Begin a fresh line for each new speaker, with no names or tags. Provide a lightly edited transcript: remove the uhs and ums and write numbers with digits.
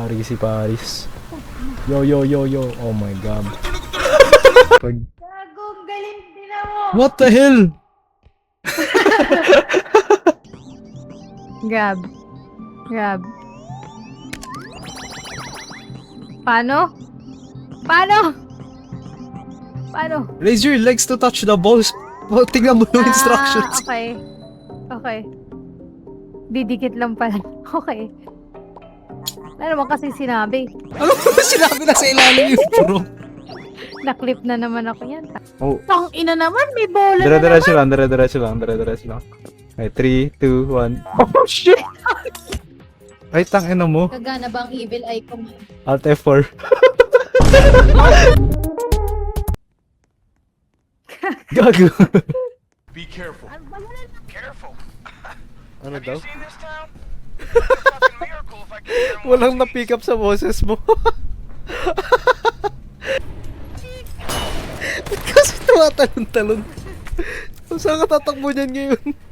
Paris si Paris. Yo yo yo yo. Oh my god.
Gagong galing din ako.
What the hell?
Grab. Grab. Paano? Paano? Paano?
Raise your legs to touch the balls. Oh, tingnan mo yung instructions.
Okay. Okay. Didikit lang pala. Okay. Ano naman kasi sinabi?
Ano ba sinabi na sa ilalim yung bro?
Naklip na naman ako yan.
Oh.
Tang ina naman, may bola na
Dire-diretso
naman.
lang, dire-diretso lang. Okay, 3, 2, 1. Oh shit! Ay, tangina mo.
Kagana ba ang evil eye ko?
Alt F4. Gago.
Be careful. Careful.
Ano
Have
daw?
you seen this town? It's a fucking miracle if I can hear 'em
Walang
all
na-pick up sa boses mo. Kasi tumatalon-talon. Saan ka tatakbo niyan ngayon?